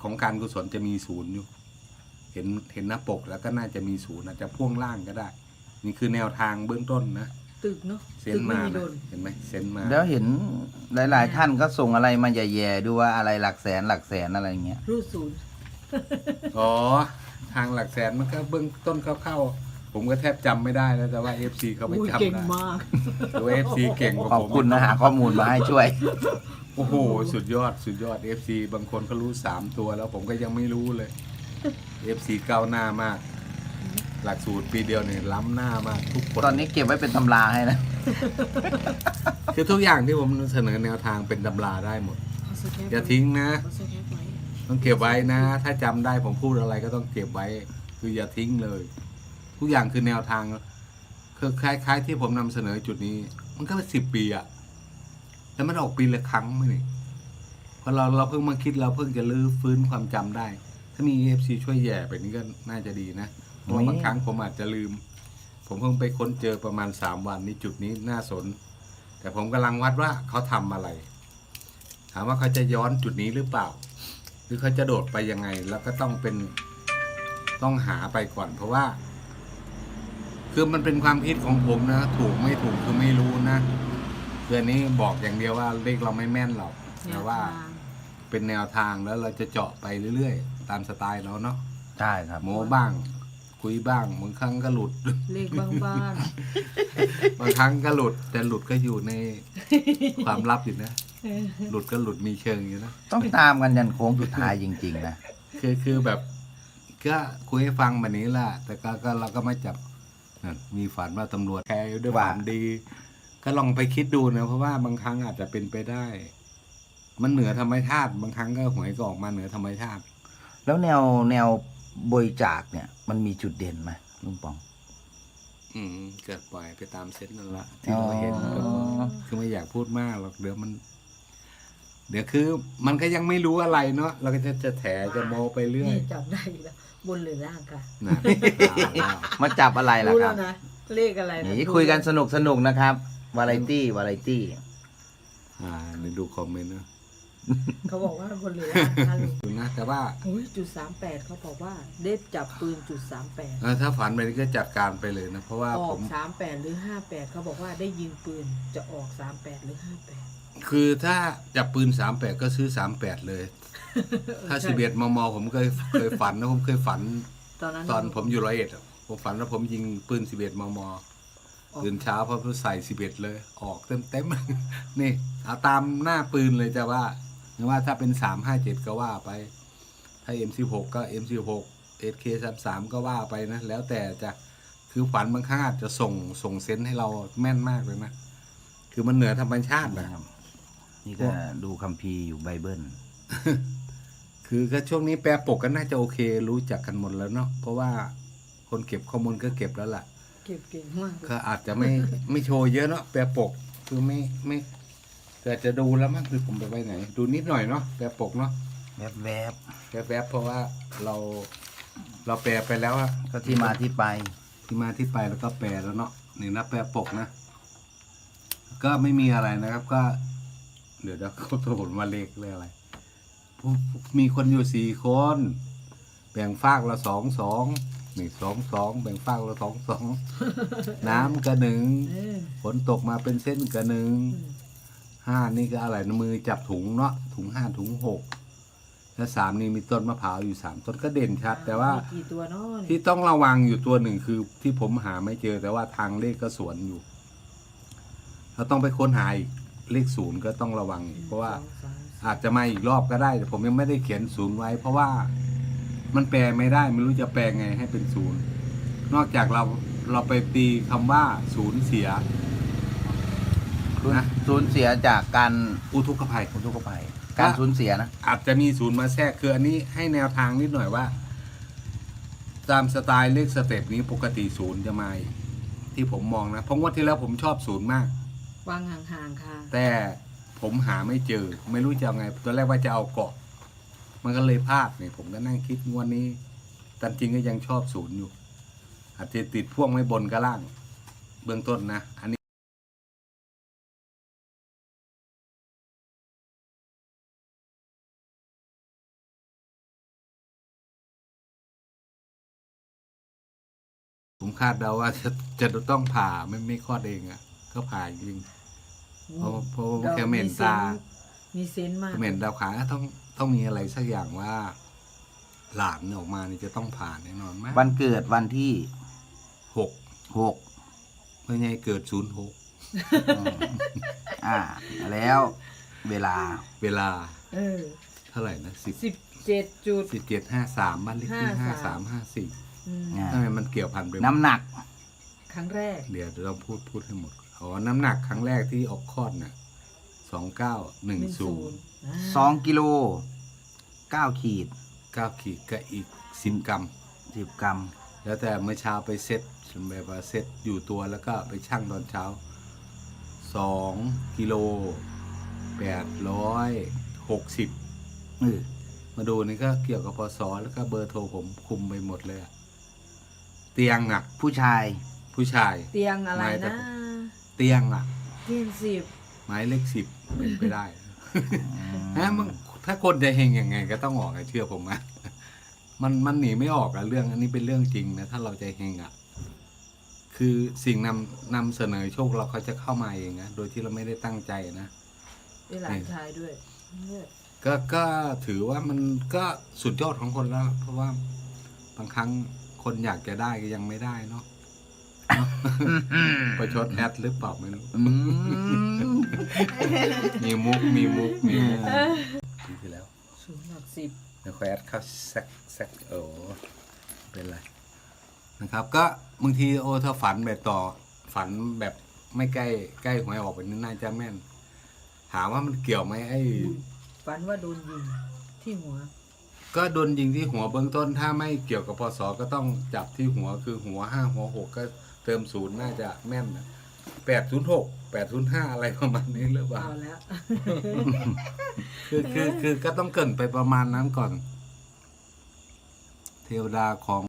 ของการกุศลจะมีศูนย์อยู่เห็นหน้าปกแล้วก็น่าจะมีศูนย์อาจจะพ่วงล่างก็ได้นี่คือแนวทางเบื้องต้นนะตึกเนาะเซนมาเห็นไหมเซนมาแล้วเห็นหลายๆท่านก็ส่งอะไรมาแย่ๆดูว่าอะไรหลักแสนอะไรเงี้ยรูดศูนย์อ๋อทางหลักแสนมันก็เบื้องต้นเข้าๆผมก็แทบจำไม่ได้แล้วแต่ว่า FC เขาไปจำได้เก่งมากตัว FC เก่งกว่าผมขอบคุณนะหาข้อมูลมาให้ช่วยโอ้โหสุดยอดFC บางคนเขารู้3ตัวแล้วผมก็ยังไม่รู้เลย FC ก้าวหน้ามากหลักสูตรปีเดียวเนี่ยล้ำหน้ามากทุกคนตอนนี้เก็บไว้เป็นตำราให้นะคือทุกอย่างที่ผมเสนอแนวทางเป็นตำราได้หมดอย่าทิ้งนะต้องเก็บไว้นะถ้าจำได้ผมพูดอะไรก็ต้องเก็บไว้คืออย่าทิ้งเลยทุกอย่างคือแนวทางคือคล้ายๆที่ผมนำเสนอจุดนี้มันก็เป็น10 ปีอะแล้วมันออกปีละครั้งไหมนี่พอเราเพิ่งมาคิดเราเพิ่งจะลื้อฟื้นความจำได้ถ้ามี FC ช่วยแย่ไปนี้ก็น่าจะดีนะเพราะบางครั้งผมอาจจะลืมผมเพิ่งไปค้นเจอประมาณ3 วันนี้จุดนี้น่าสนแต่ผมกำลังวัดว่าเขาทำอะไรถามว่าเขาจะย้อนจุดนี้หรือเปล่าหรือเขาจะโดดไปยังไงแล้วก็ต้องหาไปก่อนเพราะว่าคือมันเป็นความคิดของผมนะถูกไม่ถูกคือไม่รู้นะเดือนนี้บอกอย่างเดียวว่าเลขเราไม่แม่นหรอกแต่ว่าเป็นแนวทางแล้วเราจะเจาะไปเรื่อยๆตามสไตล์เราเนาะใช่ครับโม้บ้างคุยบ้างบางครั้งก็หลุดเลขบ้างบางครั้งก็หลุดแต่หลุดก็อยู่ในความลับอยู่นะหลุดก็หลุดมีเชิงอยู่นะต้องตามกันยันโค้งสุดท้ายจริงๆนะคือแบบก็คุยให้ฟังแบบนี้แหละแต่ก็เราก็ไม่จับมีฝันว่าตำรวจแคร์ด้วยความดีก็ลองไปคิดดูนะเพราะว่าบางครั้งอาจจะเป็นไปได้มันเหนือธรรมชาติบางครั้งก็หวยก็ออกมาเหนือธรรมชาติแล้วแนวบริจาคเนี่ยมันมีจุดเด่นไหมลุงปองเกิดปล่อยไปตามเซตนั่นละที่เราเห็นคือไม่อยากพูดมากหรอกเดี๋ยวคือมันก็ยังไม่รู้อะไรเนาะเราก็จะแถจะโมไปเรื่อยจับได้แล้วบนหรือล่างค่ะมาจับอะไรล่ะครับเลขอะไรนี่คุยกันสนุกนะครับวาไรตี้นี่ดูคอมเมนต์นะเขาบอกว่าบนหรือล่างค่ะลุงนะแต่ว่าจุด38เขาบอกว่าเด็ดจับปืนจุด38 ถ้าฝันไปนี่ก็จัดการไปเลยนะเพราะว่าออก38หรือ58เขาบอกว่าได้ยิงปืนจะออก38หรือ58 คือถ้าจับปืน38ก็ซื้อ38เลยถ้า11 มมผมเคยฝันนะผมเคยฝันตอนผมอยู่101ผมฝันว่าผมยิงปืน11 มมตื่นเช้าพอใส่11เลยออกเต็มนี่เอาตามหน้าปืนเลยจะว่าหรือว่าถ้าเป็น357ก็ว่าไปถ้า M16 ก็ M16 SK33 ก็ว่าไปนะแล้วแต่จะคือฝันบางครั้งอาจจะส่งเซนส์ให้เราแม่นมากเลยนะคือมันเหนือธรรมชาตินะครับนี่ก็ดูคัมภีร์อยู่ไบเบิลคือก็ช่วงนี้แปลปกก็น่าจะโอเครู้จักกันหมดแล้วเนาะเพราะว่าคนเก็บข้อมูลก็เก็บแล้วล่ะเก็บเก่งมากก็อาจจะไม่โชว์เยอะเนาะแปลปกคือไม่แต่จะดูแล้วมั้งคือผมไปไว้ไหนดูนิดหน่อยเนาะแปลปกเนาะแวบเพราะว่าเราแปลไปแล้วอะก็ที่มาที่ไปแล้วก็แปลแล้วเนาะนี่นะแปลปกนะก็ไม่มีอะไรนะครับก็เดี๋ยวเขาตัวผมมาเลขเลยอะไรมีคนอยู่4 คนแบ่งฝากละ2นี่2แบ่งฝากละ2น้ำก็1ฝนตกมาเป็นเส้นก็1 5นี่ก็อะไรมือจับถุงเนาะถุง5ถุง6แล้ว3นี่มีต้นมะพร้าวอยู่3ต้นก็เด่นชัดแต่ว่าที่ต้องระวังอยู่ตัวหนึ่งคือที่ผมหาไม่เจอแต่ว่าทางเลขก็สวนอยู่เราต้องไปค้นหาอีกเลข0ก็ต้องระวังเพราะว่าอาจจะมาอีกรอบก็ได้แต่ผมยังไม่ได้เขียน0ไว้เพราะว่ามันแปลไม่ได้ไม่รู้จะแปลไงให้เป็น0นอกจากเราไปตีคำว่าสูญเสียนะสูญเสียจากการอุทกภัยการสูญเสียนะอาจจะมี0มาแทรกคืออันนี้ให้แนวทางนิดหน่อยว่าตามสไตล์เลขสเต็ปนี้ปกติ0จะมาที่ผมมองนะเพราะว่าที่แล้วผมชอบ0มากวางห่างๆค่ะแต่ผมหาไม่เจอไม่รู้จะเอาไงตอนแรกว่าจะเอาเกาะมันก็เลยพลาดเนี่ยผมก็นั่งคิดวันนี้แต่จริงก็ยังชอบ0อยู่อาจจะติดพ่วงไว้บนกับล่างเบื้องต้นนะอันนี้คาดเดาว่าจะต้องผ่าไม่คลอดเองอ่ะ ก็ผ่าจริงเพราะแค่เหม็นตามีเซนส์มากเหม็นดาวขาต้องมีอะไรสักอย่างว่า หลานออกมานี่จะต้องผ่าแน่นอนไหมวันเกิดวันที่ 6 6 เมื่อไงเกิด06 แล้วเวลาเวลาเออเท่าไหร่นะ 17.53 บ้านเลขที่5354ทำไมมันเกี่ยวพันไปหมดน้ำหนักครั้งแรกเดี๋ยวเราพูดให้หมดน้ำหนักครั้งแรกที่ออกคลอดน่ะ2910 2 กิโล 9 ขีด 9 ขีดก็อีก10 กรัม 10 กรัมแล้วแต่เมื่อเช้าไปเซ็ตแบบว่าเซ็ตอยู่ตัวแล้วก็ไปชั่งตอนเช้า2 กิโล 860มาดูนี่ก็เกี่ยวกับพศแล้วก็เบอร์โทรผมคุมไปหมดเลยอะเตียงอ่ะผู้ชายผู้ชายเตียงอะไรนะเตียงอ่ะเตียง10 หมายเลข10เป็นไปได้นะมึงถ้าคนจะเฮงยังไงก็ต้องออกเชื่อผมนะมันหนีไม่ออกอะเรื่องอันนี้เป็นเรื่องจริงนะถ้าเราจะเฮงอ่ะคือสิ่งนำเสนอโชคเราเขาจะเข้ามาเองนะโดยที่เราไม่ได้ตั้งใจนะเป็นหลานชายด้วยเลือดก็ถือว่ามันก็สุดยอดของคนแล้ว เพราะว่าบางครั้งคนอยากจะได้ก็ยังไม่ได้เนาะประชดแอดหรือเปล่าไม่รู้มีมุกปีที่แล้วสูงหลัก10 เดี๋ยวแอดเข้าแซกเป็นไรนะครับ ก็บางทีถ้าฝันแบบฝันแบบไม่ใกล้หวยออกไปนี่น่าจะแม่นถามว่ามันเกี่ยวไหมไอ้ฝันว่าโดนยิงที่หัวก็โดนยิงที่หัวเบื้องต้นถ้าไม่เกี่ยวกับพศก็ต้องจับที่หัวคือหัว5หัว6ก็เติม0น่าจะแม่นนะ806 805อะไรประมาณนี้หรือเปล่าเอาแล้วคือก็ต้องเกรินไปประมาณนั้นก่อน เทวดาของ